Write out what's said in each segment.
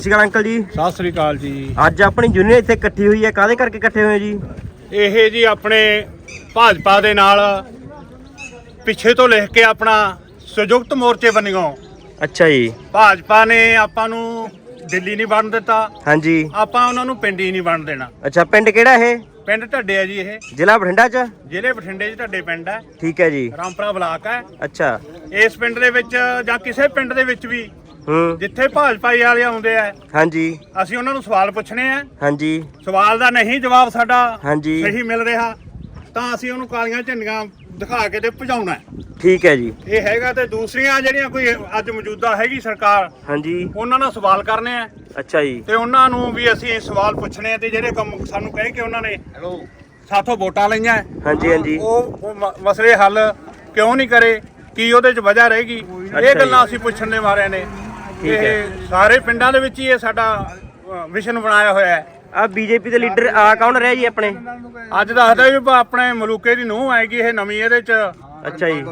ਸਤਿ ਸ਼੍ਰੀ ਅਕਾਲ ਅੰਕਲ ਜੀ। ਸਤਿ ਸ੍ਰੀ ਅਕਾਲ ਜੀ। ਅੱਜ ਆਪਣੀ ਯੂਨੀਅਨ ਇੱਥੇ ਇਕੱਠੀ ਹੋਈ ਹੈ, ਕਾਹਦੇ ਕਰਕੇ ਇਕੱਠੇ ਹੋਏ ਜੀ? ਇਹ ਜੀ ਆਪਣੇ ਭਾਜਪਾ ਦੇ ਨਾਲ ਪਿੱਛੇ ਤੋਂ ਲਿਖ ਕੇ ਆਪਣਾ ਸੰਯੁਕਤ ਮੋਰਚੇ ਬਣਿਓ। ਅੱਛਾ ਜੀ। ਭਾਜਪਾ ਨੇ ਆਪਾਂ ਨੂੰ ਦਿੱਲੀ ਨਹੀਂ ਬਣ ਦਿੱਤਾ, ਹਾਂਜੀ। ਆਪਾਂ ਉਹਨਾਂ ਨੂੰ ਪਿੰਡ ਹੀ ਨਹੀਂ ਬਣ ਦੇਣਾ। ਅੱਛਾ, ਪਿੰਡ ਕਿਹੜਾ ਇਹ? ਪਿੰਡ ਢੱਡੇ ਆ ਜੀ। ਇਹ ਜ਼ਿਲ੍ਹਾ ਬਠਿੰਡਾ ਚ? ਜ਼ਿਲ੍ਹੇ ਬਠਿੰਡੇ 'ਚ ਢੱਡੇ ਪਿੰਡ ਹੈ। ਠੀਕ ਹੈ ਜੀ। ਰਾਮਪੁਰਾ ਬਲਾਕ ਹੈ। ਅੱਛਾ। ਇਸ ਪਿੰਡ ਦੇ ਵਿੱਚ ਜਾਂ ਕਿਸੇ ਪਿੰਡ ਦੇ ਵਿੱਚ ਵੀ ਜਿੱਥੇ ਭਾਜਪਾ ਵਾਲੇ ਆਉਂਦੇ ਆ, ਹਾਂਜੀ, ਅਸੀਂ ਉਹਨਾਂ ਨੂੰ ਸਵਾਲ ਪੁੱਛਣੇ ਆ। ਹਾਂਜੀ। ਸਵਾਲ ਦਾ ਨਹੀਂ ਜਵਾਬ ਸਾਡਾ ਹਾਂਜੀ ਸਹੀ ਮਿਲ ਰਿਹਾ ਤਾਂ ਅਸੀਂ ਉਹਨੂੰ ਕਾਲੀਆਂ ਝੰਡੀਆਂ ਦਿਖਾ ਕੇ ਤੇ ਭਜਾਉਣਾ। ਠੀਕ ਹੈ ਜੀ। ਇਹ ਹੈਗਾ। ਤੇ ਦੂਸਰੀਆਂ ਜਿਹੜੀਆਂ ਕੋਈ ਅੱਜ ਮੌਜੂਦਾ ਹੈਗੀ ਸਰਕਾਰ, ਹਾਂਜੀ, ਉਹਨਾਂ ਨਾਲ ਸਵਾਲ ਕਰਨੇ ਆ। ਅੱਛਾ ਜੀ। ਤੇ ਉਹਨਾਂ ਨੂੰ ਵੀ ਅਸੀਂ ਸਵਾਲ ਪੁੱਛਣੇ ਆ ਤੇ ਜਿਹੜੇ ਕੰਮ ਸਾਨੂੰ ਕਹਿ ਕੇ ਉਹਨਾਂ ਨੇ ਸਾਥੋਂ ਵੋਟਾਂ ਲਈਆਂ, ਹਾਂਜੀ, ਹਾਂਜੀ। ਉਹ ਮਸਲੇ ਹੱਲ ਕਿਉਂ ਨਹੀਂ ਕਰੇ, ਕੀ ਉਹਦੇ 'ਚ ਵਜ੍ਹਾ ਰਹੇਗੀ, ਇਹ ਗੱਲਾਂ ਅਸੀਂ ਪੁੱਛਣ ਦੇ ਮਾਰੇ ਨੇ। ਇਹ ਸਾਰੇ ਪਿੰਡਾਂ ਦੇ ਵਿੱਚ ਹੀ ਇਹ ਸਾਡਾ ਮਿਸ਼ਨ ਬਣਾਇਆ ਹੋਇਆ ਹੈ। ਆ ਬੀਜੇਪੀ ਦੇ ਲੀਡਰ ਆ ਕੌਣ ਰਿਹਾ ਜੀ ਆਪਣੇ? ਅੱਜ ਦੱਸਦਾ ਵੀ ਆਪਣੇ ਮਲੂਕੇ ਦੀ ਨੂੰਹ ਆਏਗੀ ਇਹ ਨਵੀਂ, ਇਹਦੇ 'ਚ ਅੱਛਾ ਜੀ।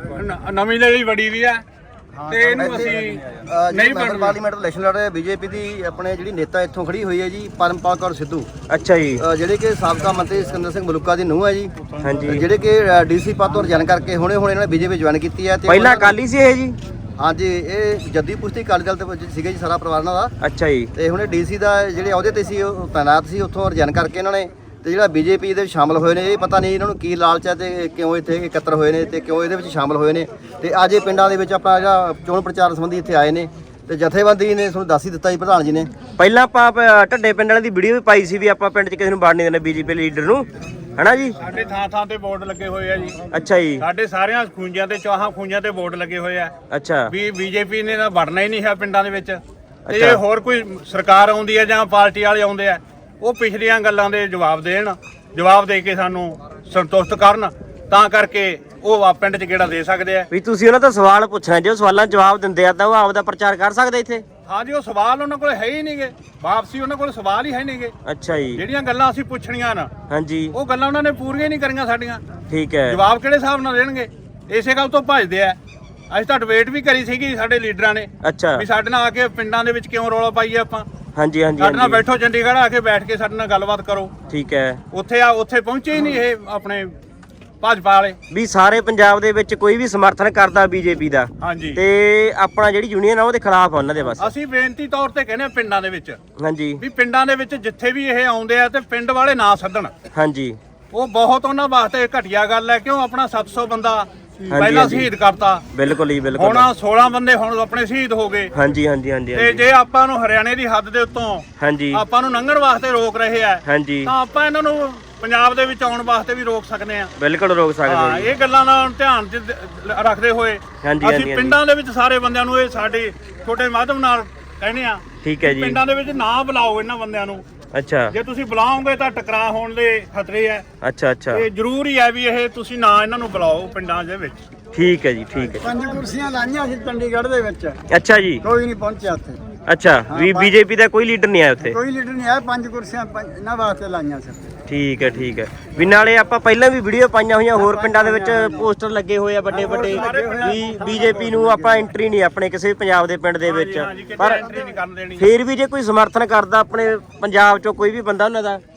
ਨਵੀਂ ਲਈ ਵੜੀ ਵੀ ਹੈ ਤੇ ਇਹਨੂੰ ਅਸੀਂ ਨਹੀਂ ਪਾਰਲੀਮੈਂਟ ਇਲੈਕਸ਼ਨ ਲੜ ਰਹੇ ਬੀਜੇਪੀ ਦੀ ਆਪਣੇ ਜਿਹੜੀ ਨੇਤਾ ਇੱਥੋਂ ਖੜੀ ਹੋਈ ਹੈ ਜੀ, ਪਰਮਪਾਲ ਕੌਰ ਸਿੱਧੂ। ਅੱਛਾ ਜੀ। ਜਿਹੜੇ ਕਿ ਸਾਬਕਾ ਮੰਤਰੀ ਸਿਕੰਦਰ ਸਿੰਘ ਮਲੂਕਾ ਦੀ ਨੂੰਹ ਹੈ ਜੀ। ਹਾਂਜੀ। ਜਿਹੜੇ ਕਿ ਡੀਸੀ ਪਦ ਤੋਂ ਰਿਜ਼ਾਈਨ ਕਰਕੇ ਹੁਣੇ ਇਹਨਾਂ ਨੇ ਬੀਜੇਪੀ ਜੁਆਇਨ ਕੀਤੀ ਹੈ। ਤੇ ਪਹਿਲਾਂ ਅਕਾਲੀ ਸੀ ਇਹ ਜੀ? ਹਾਂਜੀ, ਇਹ ਜੱਦੀ ਪੁਸ਼ਤੀ ਅਕਾਲੀ ਦਲ ਤੇ ਸੀਗੇ ਜੀ ਸਾਰਾ ਪਰਿਵਾਰ ਇਹਨਾਂ ਦਾ। ਅੱਛਾ ਜੀ। ਤੇ ਹੁਣੇ ਡੀਸੀ ਦਾ ਜਿਹੜੇ ਅਹੁਦੇ ਤੇ ਸੀ ਉਹ ਤੈਨਾਤ ਸੀ, ਉੱਥੋਂ ਰਿਜ਼ਾਈਨ ਕਰਕੇ ਇਹਨਾਂ ਨੇ ਤੇ ਜਿਹੜਾ ਬੀਜੇਪੀ ਦੇ ਵਿੱਚ ਸ਼ਾਮਲ ਹੋਏ ਨੇ, ਇਹ ਪਤਾ ਨਹੀਂ ਇਹਨਾਂ ਨੂੰ ਕੀ ਲਾਲਚ ਹੈ ਤੇ ਕਿਉਂ ਇੱਥੇ ਇਕੱਤਰ ਹੋਏ ਨੇ ਤੇ ਕਿਉਂ ਇਹਦੇ ਵਿੱਚ ਸ਼ਾਮਲ ਹੋਏ ਨੇ। ਤੇ ਅੱਜ ਇਹ ਪਿੰਡਾਂ ਦੇ ਵਿੱਚ ਆਪਣਾ ਜਿਹੜਾ ਚੋਣ ਪ੍ਰਚਾਰ ਸੰਬੰਧੀ ਇੱਥੇ ਆਏ ਨੇ ਤੇ ਜਥੇਬੰਦੀ ਨੇ ਤੁਹਾਨੂੰ ਦੱਸ ਹੀ ਦਿੱਤਾ ਜੀ, ਪ੍ਰਧਾਨ ਜੀ ਨੇ। ਪਹਿਲਾਂ ਆਪਾਂ ਢੱਡੇ ਪਿੰਡ ਵਾਲੇ ਦੀ ਵੀਡੀਓ ਵੀ ਪਾਈ ਸੀ ਵੀ ਆਪਾਂ ਪਿੰਡ 'ਚ ਕਿਸੇ ਨੂੰ ਵੜਨ ਨਹੀਂ ਦੇਣਾ ਬੀਜੇਪੀ ਲੀਡਰ ਨੂੰ, ਹਨਾ ਜੀ? ਸਾਡੇ ਥਾਂ ਥਾਂ ਤੇ ਬੋਰਡ ਲੱਗੇ ਹੋਏ ਆ ਜੀ। ਅੱਛਾ ਜੀ। ਸਾਡੇ ਸਾਰਿਆਂ ਖੂੰਜਾਂ ਤੇ ਚਾਹਾਂ ਖੂੰਜਾਂ ਤੇ ਬੋਰਡ ਲੱਗੇ ਹੋਏ ਆ। ਅੱਛਾ। ਵੀ ਬੀਜੇਪੀ ਨੇ ਤਾਂ ਵੜਨਾ ਹੀ ਨਹੀਂ ਹੈ ਪਿੰਡਾਂ ਦੇ ਵਿੱਚ। ਤੇ ਜੇ ਹੋਰ ਕੋਈ ਸਰਕਾਰ ਆਉਂਦੀ ਹੈ ਜਾਂ ਪਾਰਟੀ ਵਾਲੇ ਆਉਂਦੇ ਆ, ਉਹ ਪਿਛਲੀਆਂ ਗੱਲਾਂ ਦੇ ਜਵਾਬ ਦੇਣ, ਜਵਾਬ ਦੇ ਕੇ ਸਾਨੂੰ ਸੰਤੁਸ਼ਟ ਕਰਨ, ਤਾਂ ਕਰਕੇ ਉਹ ਪਿੰਡ 'ਚ ਕਿਹੜਾ ਦੇ ਸਕਦੇ ਆ। ਵੀ ਤੁਸੀਂ ਉਹਨਾਂ ਤੋਂ ਸਵਾਲ ਪੁੱਛਣਾ, ਜੇ ਉਹ ਸਵਾਲਾਂ ਜਵਾਬ ਦਿੰਦੇ ਆ ਤਾਂ ਉਹ ਆਪਦਾ ਪ੍ਰਚਾਰ ਕਰ ਸਕਦੇ ਇੱਥੇ? ਹਾਂਜੀ, ਉਹ ਸਵਾਲ ਉਹਨਾਂ ਕੋਲ ਹੈ ਹੀ ਨਹੀਂਗੇ, ਵਾਪਸੀ ਉਹਨਾਂ ਕੋਲ ਸਵਾਲ ਹੀ ਹੈ ਨਹੀਂਗੇ। ਅੱਛਾ ਜੀ। ਜਿਹੜੀਆਂ ਗੱਲਾਂ ਅਸੀਂ ਪੁੱਛਣੀਆਂ ਨਾ, ਹਾਂਜੀ, ਉਹ ਗੱਲਾਂ ਉਹਨਾਂ ਨੇ ਪੂਰੀਆਂ ਨਹੀਂ ਕਰੀਆਂ ਸਾਡੀਆਂ। ਠੀਕ ਹੈ। ਜਵਾਬ ਕਿਹੜੇ ਹਿਸਾਬ ਨਾਲ ਦੇਣਗੇ? ਇਸੇ ਗੱਲ ਤੋਂ ਭੱਜਦੇ ਆ। ਅਸੀਂ ਤਾਂ ਡਿਬੇਟ ਵੀ ਕਰੀ ਸੀਗੀ ਸਾਡੇ ਲੀਡਰਾਂ ਨੇ ਅੱਛਾ। ਵੀ ਸਾਡੇ ਨਾਲ ਆ ਕੇ ਪਿੰਡਾਂ ਦੇ ਵਿੱਚ ਕਿਉਂ ਰੌਲਾ ਪਾਈਏ ਆਪਾਂ। ਹਾਂਜੀ, ਹਾਂਜੀ, ਸਾਡੇ ਨਾਲ ਹਾਂਜੀ। ਬੈਠੋ, ਚੰਡੀਗੜ੍ਹ ਆ ਕੇ ਬੈਠ ਕੇ ਸਾਡੇ ਨਾਲ ਗੱਲਬਾਤ ਕਰੋ। ਠੀਕ ਹੈ। ਉੱਥੇ ਪਹੁੰਚੇ ਹੀ ਨਹੀਂ ਇਹ ਆਪਣੇ ਭਾਜਪਾ ਵਾਲੇ। ਵੀ ਸਾਰੇ ਪੰਜਾਬ ਦੇ ਵਿੱਚ ਕੋਈ ਵੀ ਸਮਰਥਨ ਕਰਦਾ ਬੀਜੇਪੀ ਦਾ, ਹਾਂਜੀ। ਤੇ ਆਪਣਾ ਜਿਹੜੀ ਯੂਨੀਅਨ ਆ ਉਹਦੇ ਖਿਲਾਫ ਆ ਉਹਨਾਂ ਦੇ ਬਸ। ਅਸੀਂ ਬੇਨਤੀ ਤੌਰ ਤੇ ਕਹਿੰਦੇ ਆ ਪਿੰਡਾਂ ਦੇ ਵਿੱਚ, ਹਾਂਜੀ, ਵੀ ਪਿੰਡਾਂ ਦੇ ਵਿੱਚ ਜਿੱਥੇ ਵੀ ਇਹ ਆਉਂਦੇ ਆ ਤੇ ਪਿੰਡ ਵਾਲੇ ਨਾ ਸੱਦਣ। ਹਾਂਜੀ। ਉਹ ਬਹੁਤ ਉਹਨਾਂ ਵਾਸਤੇ ਘਟੀਆ ਗੱਲ ਹੈ। ਕਿਉਂ ਆਪਣਾ 700 ਬੰਦਾ ਪਹਿਲਾਂ ਹਾਂਜੀ। ਸ਼ਹੀਦ ਕਰਤਾ, ਬਿਲਕੁਲ ਹੀ ਬਿਲਕੁਲ। ਹੁਣ 16 ਬੰਦੇ ਹੁਣ ਆਪਣੇ ਸ਼ਹੀਦ ਹੋ ਗਏ। ਹਾਂਜੀ, ਹਾਂਜੀ, ਹਾਂਜੀ, ਤੇ ਹਾਂਜੀ। ਜੇ ਆਪਾਂ ਨੂੰ ਹਰਿਆਣੇ ਦੀ ਹੱਦ ਦੇ ਉੱਤੋਂ ਹਾਂਜੀ, ਆਪਾਂ ਨੂੰ ਲੰਘਣ ਵਾਸਤੇ ਰੋਕ ਰਹੇ ਆ, ਹਾਂਜੀ, ਤਾਂ ਆਪਾਂ ਇਹਨਾਂ ਨੂੰ ਪੰਜਾਬ ਦੇ ਵਿੱਚ ਆਉਣ ਵਾਸਤੇ ਵੀ ਰੋਕ ਸਕਦੇ ਆ। ਬਿਲਕੁਲ ਰੋਕ ਸਕਦੇ ਹਾਂ, ਹੋ ਜੀ। ਇਹ ਗੱਲਾਂ ਦਾ ਧਿਆਨ 'ਚ ਰੱਖਦੇ ਹੋਏ ਹਾਂਜੀ, ਅਸੀਂ ਹਾਂਜੀ। ਪਿੰਡਾਂ ਦੇ ਵਿੱਚ ਸਾਰੇ ਬੰਦਿਆਂ ਨੂੰ ਇਹ ਸਾਡੇ ਛੋਟੇ ਮਾਧਿਅਮ ਨਾਲ ਕਹਿੰਦੇ ਆ, ਠੀਕ ਹੈ ਜੀ। ਪਿੰਡਾਂ ਦੇ ਵਿੱਚ ਨਾ ਬੁਲਾਓ ਇਹਨਾਂ ਬੰਦਿਆਂ ਨੂੰ। ਅੱਛਾ, ਜੇ ਤੁਸੀਂ ਬੁਲਾਓਗੇ ਤਾਂ ਟਕਰਾਅ ਹੋਣ ਦੇ ਖਤਰੇ ਆ। ਅੱਛਾ, ਅੱਛਾ। ਤੇ ਜ਼ਰੂਰੀ ਹੈ ਵੀ ਇਹ ਤੁਸੀਂ ਨਾ ਇਹਨਾਂ ਨੂੰ ਬੁਲਾਓ ਪਿੰਡਾਂ ਦੇ ਵਿੱਚ। ਠੀਕ ਹੈ ਜੀ, ਠੀਕ ਹੈ। 5 ਕੁਰਸੀਆਂ ਲਾਈਆਂ ਸੀ ਚੰਡੀਗੜ੍ਹ ਦੇ ਵਿੱਚ, ਅੱਛਾ ਜੀ। ਕੋਈ ਨਹੀਂ ਪਹੁੰਚਿਆ ਉੱਥੇ। ਅੱਛਾ, ਵੀ ਬੀਜੇਪੀ ਦਾ ਕੋਈ ਲੀਡਰ ਨਹੀਂ ਆਇਆ ਉੱਥੇ? ਕੋਈ ਲੀਡਰ ਨਹੀਂ ਆਇਆ। 5 ਕੁਰਸੀਆਂ ਇਹਨਾਂ ਵਾਸਤੇ ਲਾਈਆਂ ਸੀ। ਠੀਕ ਹੈ, ਠੀਕ ਹੈ। ਵੀ ਨਾਲੇ ਆਪਾਂ ਪਹਿਲਾਂ ਵੀ ਵੀਡੀਓ ਪਾਈਆਂ ਹੋਈਆਂ, ਹੋਰ ਪਿੰਡਾਂ ਦੇ ਵਿੱਚ ਪੋਸਟਰ ਲੱਗੇ ਹੋਏ ਆ ਵੱਡੇ ਵੱਡੇ ਵੀ ਬੀਜੇਪੀ ਨੂੰ ਆਪਾਂ ਐਂਟਰੀ ਨਹੀਂ ਆਪਣੇ ਕਿਸੇ ਵੀ ਪੰਜਾਬ ਦੇ ਪਿੰਡ ਦੇ ਵਿੱਚ। ਪਰ ਐਂਟਰੀ ਨਹੀਂ ਕਰਨ ਦੇਣੀ। ਫੇਰ ਵੀ ਜੇ ਕੋਈ ਸਮਰਥਨ ਕਰਦਾ ਆਪਣੇ ਪੰਜਾਬ ਚੋਂ ਕੋਈ ਵੀ ਬੰਦਾ ਉਹਨਾਂ ਦਾ,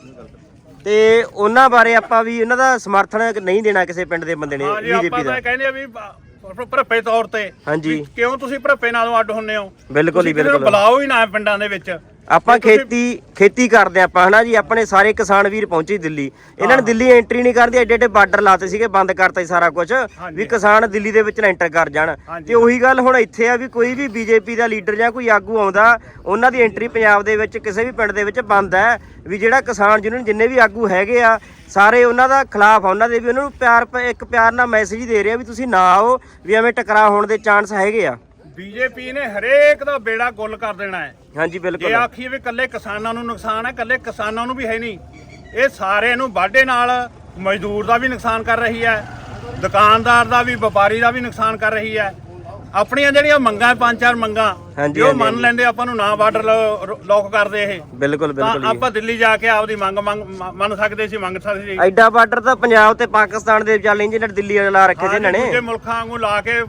ਤੇ ਉਹਨਾਂ ਬਾਰੇ ਆਪਾਂ ਵੀ ਉਹਨਾਂ ਦਾ ਸਮਰਥਨ ਨਹੀਂ ਦੇਣਾ ਕਿਸੇ ਪਿੰਡ ਦੇ ਬੰਦੇ ਨੇ ਹਾਂਜੀ, ਆਪਾਂ ਬੀਜੇਪੀ ਦਾ। ਤਾਂ ਕਹਿੰਦੇ ਆ ਵੀ ਭਰਪੇ ਤੌਰ ਤੇ। ਹਾਂਜੀ। ਵੀ ਕਿਉਂ ਤੁਸੀਂ ਭਰਪੇ ਨਾਲੋਂ ਅੱਡ ਹੁੰਨੇ ਹੋ? ਬਿਲਕੁਲ ਹੀ, ਤੁਸੀਂ ਕਿਸੇ ਨੂੰ ਬਿਲਕੁਲ। ਬੁਲਾਓ ਹੀ ਨਾ ਪਿੰਡਾਂ ਦੇ ਵਿੱਚ। ਆਪਾਂ ਖੇਤੀ ਕਰਦੇ ਆਪਾਂ, ਹਨਾ ਜੀ? ਆਪਣੇ ਸਾਰੇ ਕਿਸਾਨ ਵੀਰ ਪਹੁੰਚੇ ਦਿੱਲੀ, ਇਹਨਾਂ ਨੇ ਦਿੱਲੀ ਐਂਟਰੀ ਨਹੀਂ ਕਰਦੀ, ਐਡੇ ਐਡੇ ਬਾਰਡਰ ਲਾਤੇ ਸੀਗੇ, ਬੰਦ ਕਰਤਾ ਸੀ ਸਾਰਾ ਕੁਝ ਵੀ ਕਿਸਾਨ ਦਿੱਲੀ ਦੇ ਵਿੱਚ ਨਾ ਐਂਟਰ ਕਰ ਜਾਣ। ਤੇ ਉਹੀ ਗੱਲ ਹੁਣ ਇੱਥੇ ਆ ਵੀ ਕੋਈ ਵੀ ਬੀਜੇਪੀ ਦਾ ਲੀਡਰ ਜਾਂ ਕੋਈ ਆਗੂ ਆਉਂਦਾ, ਉਹਨਾਂ ਦੀ ਐਂਟਰੀ ਪੰਜਾਬ ਦੇ ਵਿੱਚ ਕਿਸੇ ਵੀ ਪਿੰਡ ਦੇ ਵਿੱਚ ਬੰਦ ਹੈ। ਵੀ ਜਿਹੜਾ ਕਿਸਾਨ ਯੂਨੀਅਨ ਜਿੰਨੇ ਵੀ ਆਗੂ ਹੈਗੇ ਆ ਸਾਰੇ ਉਹਨਾਂ ਦਾ ਖਿਲਾਫ ਆ, ਉਹਨਾਂ ਦੇ ਵੀ ਉਹਨਾਂ ਨੂੰ ਪਿਆਰ ਨਾਲ ਮੈਸੇਜ ਦੇ ਰਹੇ ਆ ਵੀ ਤੁਸੀਂ ਨਾ ਆਓ, ਵੀ ਐਵੇਂ ਟਕਰਾਅ ਹੋਣ ਦੇ ਚਾਂਸ ਹੈਗੇ ਆ। ਬੀਜੇਪੀ ਨੇ ਹਰੇਕ ਦਾ ਬੇੜਾ ਗੁੱਲ ਕਰ ਦੇਣਾ ਹੈ। ਹਾਂਜੀ, ਬਿਲਕੁਲ। ਜੇ ਆਖੀਏ ਵੀ ਕੱਲੇ ਕਿਸਾਨਾਂ ਨੂੰ ਨੁਕਸਾਨ ਹੈ, ਕੱਲੇ ਕਿਸਾਨਾਂ ਨੂੰ ਵੀ ਹੈ ਨਹੀਂ। ਇਹ ਸਾਰੇ ਨੂੰ ਵਾਢੇ ਨਾਲ ਮਜ਼ਦੂਰ ਦਾ ਵੀ ਨੁਕਸਾਨ ਕਰ ਰਹੀ ਹੈ, ਦੁਕਾਨਦਾਰ ਦਾ ਵੀ, ਵਪਾਰੀ ਦਾ ਵੀ ਨੁਕਸਾਨ ਕਰ ਰਹੀ ਹੈ। ਆਪਣੀਆਂ ਜਿਹੜੀਆਂ ਮੰਗਾਂ 5-4 ਮੰਗਾਂ ਹਾਂਜੀ, ਉਹ ਮੰਨ ਲੈਂਦੇ, ਆਪਾਂ ਨੂੰ ਨਾ ਬਾਰਡਰ ਲੋਕ ਕਰਦੇ ਇਹ। ਬਿਲਕੁਲ ਬਿਲਕੁਲ। ਆਪਾਂ ਦਿੱਲੀ ਜਾ ਕੇ ਆਪਦੀ ਮੰਗ ਮੰਨ ਸਕਦੇ ਸੀ, ਮੰਗ ਸਕਦੇ ਸੀ। ਐਡਾ ਬਾਰਡਰ ਤਾਂ ਪੰਜਾਬ ਤੇ ਪਾਕਿਸਤਾਨ ਦੇ ਚੱਲ ਇੰਜ ਦਿੱਲੀ ਲਾ ਰੱਖੇ ਸੀ ਇਹਨਾਂ ਨੇ। ਦੂਜੇ ਮੁਲਕਾਂ ਵਾਂਗੂ ਲਾ ਕੇ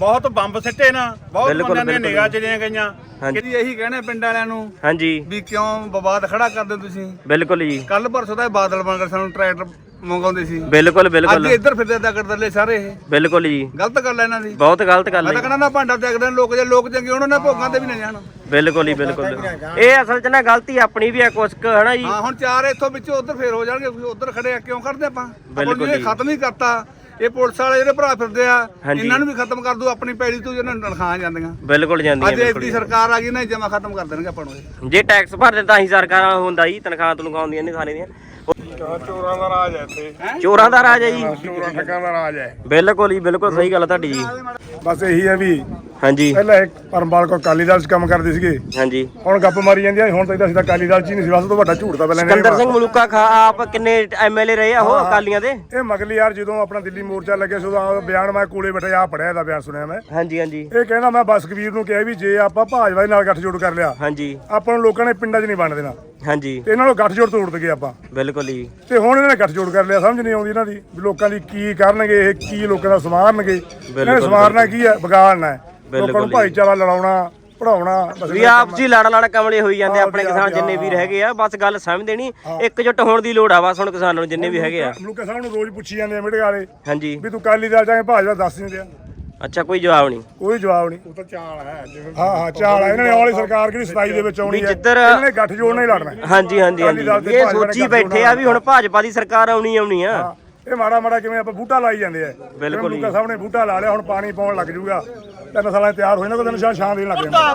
ਬਹੁਤ ਬੰਬ ਸਿੱਟੇ ਨਾ, ਬਹੁਤ ਬਿਲਕੁਲ, ਬੰਦਿਆਂ ਦੀਆਂ ਬਿਲਕੁਲ। ਨਿਗਾਹ ਚਲੀਆਂ ਗਈਆਂ। ਹਾਂਜੀ। ਕਿਤੇ ਇਹੀ ਕਹਿਣਾ ਪਿੰਡ ਵਾਲਿਆਂ ਨੂੰ ਹਾਂਜੀ ਵੀ ਕਿਉਂ ਵਿਵਾਦ ਖੜਾ ਕਰਦੇ ਤੁਸੀਂ। ਬਿਲਕੁਲ ਜੀ, ਕੱਲ ਪਰਸੋਂ ਤਾਂ ਇਹ ਬਾਦਲ ਬਣ ਕੇ ਸਾਨੂੰ ਟਰੈਕਟਰ ਮੰਗਾਉਂਦੇ ਸੀ, ਬਿਲਕੁਲ ਅੱਜ ਬਿਲਕੁਲ ਇੱਧਰ ਫਿਰਦੇ ਦਾਗੜ ਦਰਲੇ ਸਾਰੇ। ਇਹ ਬਿਲਕੁਲ ਜੀ, ਗਲਤ ਗੱਲ ਹੈ ਇਹਨਾਂ ਦੀ। ਬਹੁਤ ਗਲਤ ਗੱਲ ਮੈਂ ਹੈ ਤਾਂ ਕਹਿੰਦਾ ਨਾ ਭਾਂਡਾ ਤਿਆਗਦੇ ਨੇ ਲੋਕ, ਜੇ ਲੋਕ ਚੰਗੇ ਹੋਣ ਨਾ ਭੋਗਾਂ ਤੇ ਵੀ ਨਾ ਜਾਣ। ਬਿਲਕੁਲ ਹੀ ਬਿਲਕੁਲ। ਇਹ ਅਸਲ 'ਚ ਨਾ ਗਲਤੀ ਆਪਣੀ ਵੀ ਹੈ ਕੁਛ ਕੁ, ਹਨਾ ਜੀ। ਹਾਂ ਹੁਣ ਚਾਰ ਇੱਥੋਂ ਵਿੱਚੋਂ ਉੱਧਰ ਫੇਰ ਹੋ ਜਾਣਗੇ, ਉਧਰ ਖੜੇ ਆ ਕਿਉਂ ਕਰਦੇ ਆਪਾਂ? ਬਿਲਕੁਲ ਇਹ ਜੀ। ਖਤਮ ਹੀ ਕਰਤਾ। ਇਹ ਪੁਲਿਸ ਵਾਲੇ ਜਿਹੜੇ ਭਰਾ ਫਿਰਦੇ ਆ, ਹਾਂਜੀ। ਇਹਨਾਂ ਨੂੰ ਵੀ ਖਤਮ ਕਰ ਦੂ। ਆਪਣੀ ਪੈੜੀ ਤੋਂ ਇਹਨਾਂ ਨੂੰ ਤਨਖਾਹਾਂ ਜਾਂਦੀਆਂ। ਬਿਲਕੁਲ ਜਾਂਦੀ ਹੈ, ਅੱਜ ਬਿਲਕੁਲ ਇੱਦੀ ਸਰਕਾਰ ਆ ਗਈ ਨਾ, ਜਮਾ ਖਤਮ ਕਰ ਦੇਣਗੇ ਆਪਾਂ ਨੂੰ ਇਹ। ਜੇ ਟੈਕਸ ਭਰਦੇ ਤਾਂ ਹੀ ਸਰਕਾਰਾਂ ਹੁੰਦਾ ਜੀ, ਤਨਖਾਹਾਂ ਤਨਖਾਉਂਦੀਆਂ ਨੇ ਸਾਰੇ ਦੀਆਂ। ਚੋਰਾਂ ਦਾ ਰਾਜ ਹੈ ਇੱਥੇ, ਚੋਰਾਂ ਦਾ ਰਾਜ ਹੈ ਜੀ। ਚੋਰਾਂ ਠੱਗਾਂ ਦਾ ਰਾਜ ਹੈ। ਬਿਲਕੁਲ ਹੀ ਬਿਲਕੁਲ ਸਹੀ ਗੱਲ ਹੈ ਤੁਹਾਡੀ ਜੀ। ਬਸ ਇਹੀ ਹੈ ਵੀ ਹਾਂਜੀ ਪਹਿਲਾਂ ਇੱਕ ਪਰਮਪਾਲ ਕੋ ਅਕਾਲੀ ਦਲ 'ਚ ਕੰਮ ਕਰਦੇ ਸੀਗੇ, ਹਾਂਜੀ। ਹੁਣ ਗੱਪ ਮਾਰੀ ਜਾਂਦੇ ਆ। ਹੁਣ ਤਾਂ ਅਸੀਂ ਤਾਂ ਅਕਾਲੀ ਦਲ 'ਚ ਹੀ ਨਹੀਂ ਸੀ, ਬਸ ਤੋਂ ਵੱਡਾ ਝੂਠ ਤਾਂ ਪਹਿਲਾਂ ਇਹਨੇ ਸਿਕੰਦਰ ਸਿੰਘ ਮਲੂਕਾ ਖਾ ਆਪ ਕਿੰਨੇ ਐਮਐਲਏ ਰਹੇ ਆ ਉਹ ਅਕਾਲੀਆਂ ਦੇ। ਇਹ ਮਗਲੀ ਯਾਰ ਜਦੋਂ ਆਪਣਾ ਦਿੱਲੀ ਮੋਰਚਾ ਲੱਗਿਆ ਸੀ ਉਦੋਂ ਬਿਆਨ ਮੈਂ ਕੋਲੇ ਬੈਠਾ ਆ ਪੜਿਆ, ਇਹਦਾ ਬਿਆਨ ਸੁਣਿਆ ਮੈਂ। ਹਾਂਜੀ ਹਾਂਜੀ ਇਹ ਕਹਿੰਦਾ ਮੈਂ ਬਸ ਕਬੀਰ ਨੂੰ ਕਿਹਾ ਵੀ ਜੇ ਆਪਾਂ ਭਾਜਪਾ ਦੇ ਨਾਲ ਗੱਠਜੋੜ ਕਰ ਲਿਆ, ਹਾਂਜੀ ਆਪਾਂ ਨੂੰ ਲੋਕਾਂ ਨੇ ਪਿੰਡਾਂ 'ਚ ਨਹੀਂ ਵੰਡ ਦੇਣਾ, ਹਾਂਜੀ ਤੇ ਇਹਨਾਂ ਨੂੰ ਗੱਠਜੋੜ ਤੋੜ ਦਗੇ ਆਪਾਂ। ਬਿਲਕੁਲ ਜੀ। ਤੇ ਹੁਣ ਇਹਨਾਂ ਨੇ ਗੱਠਜੋੜ ਕਰ ਲਿਆ, ਸਮਝ ਨਹੀਂ ਆਉਂਦੀ ਇਹਨਾਂ ਦੀ ਵੀ ਲੋਕਾਂ ਦੀ ਕੀ ਕਰਨਗੇ, ਇਹ ਕੀ ਲੋਕਾਂ ਦਾ ਸਮਾਰਨਗੇ। ਇਹਨਾਂ ਨੇ ਸਮਾਰਨਾ ਕੀ ਹੈ? ਵਿਗਾੜਨਾ ਹੈ ਲੋਕਾਂ ਨੂੰ, ਭਾਈਚਾਰਾ ਲੜਾਉਣਾ, ਪੜਾਉਣਾ। ਵੀ ਆਪਸੀ ਲੜ ਕਮਲੇ ਹੋਈ ਜਾਂਦੇ ਆਪਣੇ ਕਿਸਾਨ ਜਿੰਨੇ ਵੀ ਹੈਗੇ ਆ। ਬਸ ਗੱਲ ਸਮਝਦੇ ਨਹੀਂ, ਇਕਜੁੱਟ ਹੋਣ ਦੀ ਲੋੜ ਆ ਬਸ ਹੁਣ ਕਿਸਾਨਾਂ ਨੂੰ ਜਿੰਨੇ ਵੀ ਹੈਗੇ ਆ। ਮਲੂਕਾ ਸਾਹਿਬ ਨੂੰ ਰੋਜ਼ ਪੁੱਛੀ ਜਾਂਦੇ ਆ ਮੀਡੀਆ ਵਾਲੇ ਹਾਂਜੀ। ਵੀ ਤੂੰ ਅਕਾਲੀ ਦਲ ਚਾਹੇ ਭਾਜਪਾ ਦੱਸ ਨਹੀਂ ਦਿਆ, ਅੱਛਾ ਕੋਈ ਜਵਾਬ ਨਹੀਂ। ਕੋਈ ਜਵਾਬ ਨਹੀਂ। ਉਹ ਤਾਂ ਚਾਲ ਹੈ ਜਿਵੇਂ। ਹਾਂ ਚਾਲ ਆ ਇਹਨਾਂ ਨੇ, ਆਉਣ ਵਾਲੀ ਸਰਕਾਰ ਕਿਹੜੀ 27 ਦੇ ਵਿੱਚ ਆਉਣੀ ਵੀ ਹੈ, ਜਿੱਧਰ ਇਹਨਾਂ ਨੇ ਗੱਠਜੋੜ ਨਾਲ ਹੀ ਲੜਨਾ ਹੈ। ਹਾਂਜੀ ਹਾਂਜੀ ਹਾਂਜੀ ਇਹ ਸੋਚੀ ਬੈਠੇ ਆ ਵੀ ਹੁਣ ਭਾਜਪਾ ਦੀ ਸਰਕਾਰ ਆਉਣੀ ਆ। ਹਾਂ, ਇਹ ਮਾੜਾ ਕਿਵੇਂ ਆਪਾਂ ਬੂਟਾ ਲਾਈ ਜਾਂਦੇ ਆ। ਬਿਲਕੁਲ ਜੀ। ਮਲੂਕਾ ਸਾਹਿਬ ਨੇ ਬੂਟਾ ਲਾ ਲਿਆ, ਹੁਣ ਪਾਣੀ ਪਾਉਣ ਲੱਗ ਜੂਗਾ, 3 ਸਾਲਾਂ 'ਚ ਤਿਆਰ ਹੋ ਜਾਣਾ, ਕੋਈ ਦਿਨ ਛਾਂ ਦੇਣ ਲੱਗ ਜਾਣਾ।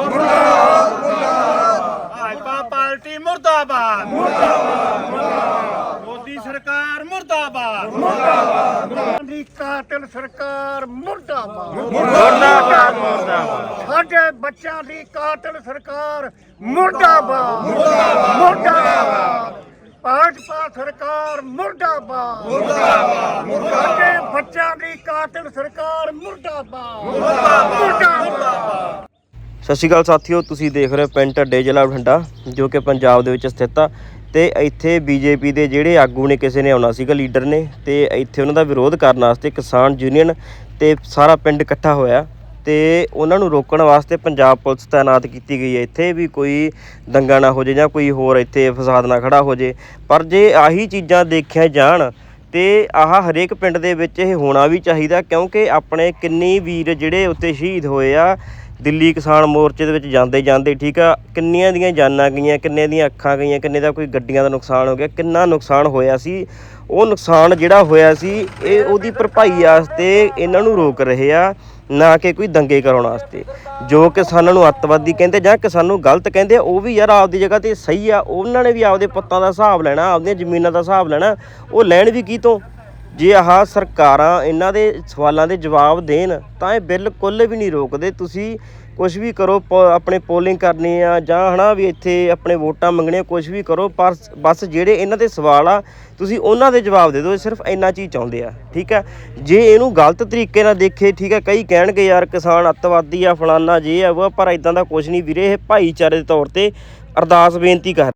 ਭਾਜਪਾ ਪਾਰਟੀ ਮੁਰਦਾਬਾਦ, ਮੋਦੀ ਸਰਕਾਰ ਮੁਰਦਾਬਾਦ, ਦੀ ਕਾਤਲ ਸਰਕਾਰ ਮੁਰਦਾਬਾਦ। ਮੁਰਦਾਬਾਦ। ਸਾਡੇ ਬੱਚਿਆਂ ਦੀ ਕਾਤਲ ਸਰਕਾਰ ਮੁਰਦਾਬਾਦ। ਮੁਰਦਾਬਾਦ। ਭਾਜਪਾ ਸਰਕਾਰ ਮੁਰਦਾਬਾਦ। ਸਾਡੇ ਬੱਚਿਆਂ ਦੀ ਕਾਤਲ ਸਰਕਾਰ ਮੁਰਦਾਬਾਦ। ਮੁਰਦਾਬਾਦ। ਸਤਿ ਸ਼੍ਰੀ ਅਕਾਲ ਸਾਥੀਓ, ਤੁਸੀਂ ਦੇਖ ਰਹੇ ਹੋ ਪਿੰਡ ਢੱਡੇ, ਜ਼ਿਲ੍ਹਾ ਬਠਿੰਡਾ, ਜੋ ਕਿ ਪੰਜਾਬ ਦੇ ਵਿੱਚ ਸਥਿਤ ਆ। ਤੇ ਇੱਥੇ ਬੀਜੇਪੀ ਦੇ ਜਿਹੜੇ ਆਗੂ ਨੇ, ਕਿਸੇ ਨੇ ਆਉਣਾ ਸੀਗਾ, ਲੀਡਰ ਨੇ, ਤੇ ਇੱਥੇ ਉਹਨਾਂ ਦਾ ਵਿਰੋਧ ਕਰਨ ਵਾਸਤੇ ਕਿਸਾਨ ਯੂਨੀਅਨ ਤੇ ਸਾਰਾ ਪਿੰਡ ਇਕੱਠਾ ਹੋਇਆ ਤੇ ਉਹਨਾਂ ਨੂੰ ਰੋਕਣ ਵਾਸਤੇ ਪੰਜਾਬ ਪੁਲਿਸ ਤਾਇਨਾਤ ਕੀਤੀ ਗਈ ਹੈ ਇੱਥੇ, ਵੀ ਕੋਈ ਦੰਗਾ ਨਾ ਹੋ ਜੇ ਜਾਂ ਕੋਈ ਹੋਰ ਇੱਥੇ ਫਸਾਦ ਨਾ ਖੜਾ ਹੋ ਜੇ। ਪਰ ਜੇ ਆਹੀ ਚੀਜ਼ਾਂ ਦੇਖਿਆ ਜਾਣ ਤੇ ਆਹ ਹਰੇਕ ਪਿੰਡ ਦੇ ਵਿੱਚ ਇਹ ਹੋਣਾ ਵੀ ਚਾਹੀਦਾ, ਕਿਉਂਕਿ ਆਪਣੇ ਕਿੰਨੀ ਵੀਰ ਜਿਹੜੇ ਉੱਤੇ ਸ਼ਹੀਦ ਹੋਏ ਆ ਦਿੱਲੀ ਕਿਸਾਨ ਮੋਰਚੇ ਦੇ ਵਿੱਚ ਜਾਂਦੇ ਠੀਕ ਆ, ਕਿੰਨੀਆਂ ਦੀਆਂ ਜਾਨਾਂ ਗਈਆਂ, ਕਿੰਨੇ ਦੀਆਂ ਅੱਖਾਂ ਗਈਆਂ, ਕਿੰਨੇ ਦਾ ਕੋਈ ਗੱਡੀਆਂ ਦਾ ਨੁਕਸਾਨ ਹੋ ਗਿਆ, ਕਿੰਨਾ ਨੁਕਸਾਨ ਹੋਇਆ ਸੀ। ਉਹ ਨੁਕਸਾਨ ਜਿਹੜਾ ਹੋਇਆ ਸੀ ਇਹ ਉਹਦੀ ਭਰਪਾਈ ਵਾਸਤੇ ਇਹਨਾਂ ਨੂੰ ਰੋਕ ਰਹੇ ਆ, ਨਾ ਕਿ ਕੋਈ ਦੰਗੇ ਕਰਾਉਣ ਵਾਸਤੇ। ਜੋ ਕਿਸਾਨਾਂ ਨੂੰ ਅੱਤਵਾਦੀ ਕਹਿੰਦੇ ਜਾਂ ਕਿਸਾਨ ਨੂੰ ਗਲਤ ਕਹਿੰਦੇ, ਉਹ ਵੀ ਯਾਰ ਆਪਦੀ ਜਗ੍ਹਾ ਤੇ ਸਹੀ ਆ। ਉਹਨਾਂ ਨੇ ਵੀ ਆਪਦੇ ਪੁੱਤਾਂ ਦਾ ਹਿਸਾਬ ਲੈਣਾ, ਆਪਦੀਆਂ ਜ਼ਮੀਨਾਂ ਦਾ ਹਿਸਾਬ ਲੈਣਾ। ਉਹ ਲੈਣ ਵੀ ਕੀ ਤੋਂ? ਜੇ ਆਹ ਸਰਕਾਰਾਂ ਇਹਨਾਂ ਦੇ ਸਵਾਲਾਂ ਦੇ ਜਵਾਬ ਦੇਣ ਤਾਂ ਇਹ ਬਿਲਕੁਲ ਵੀ ਨਹੀਂ ਰੋਕਦੇ। ਤੁਸੀਂ ਕੁਛ ਵੀ ਕਰੋ, ਆਪਣੇ ਪੋਲਿੰਗ ਕਰਨੀ ਆ ਜਾਂ ਹੈ ਵੀ ਇੱਥੇ ਆਪਣੇ ਵੋਟਾਂ ਮੰਗਣੀਆਂ, ਕੁਛ ਵੀ ਕਰੋ, ਪਰ ਬਸ ਜਿਹੜੇ ਇਹਨਾਂ ਦੇ ਸਵਾਲ ਆ ਤੁਸੀਂ ਉਹਨਾਂ ਦੇ ਜਵਾਬ ਦੇ ਦਿਓ। ਸਿਰਫ ਇੰਨਾ ਚੀਜ਼ ਚਾਹੁੰਦੇ ਆ, ਠੀਕ ਹੈ। ਜੇ ਇਹਨੂੰ ਗਲਤ ਤਰੀਕੇ ਨਾਲ ਦੇਖੇ, ਠੀਕ ਹੈ, ਕਈ ਕਹਿਣਗੇ ਯਾਰ ਕਿਸਾਨ ਅੱਤਵਾਦੀ ਆ, ਫਲਾਨਾ ਜੇ ਆ ਉਹ, ਪਰ ਇਦਾਂ ਦਾ ਕੁਛ ਨਹੀਂ ਵੀਰੇ। ਇਹ ਭਾਈਚਾਰੇ ਦੇ ਤੌਰ ਤੇ ਅਰਦਾਸ ਬੇਨਤੀ ਕਰ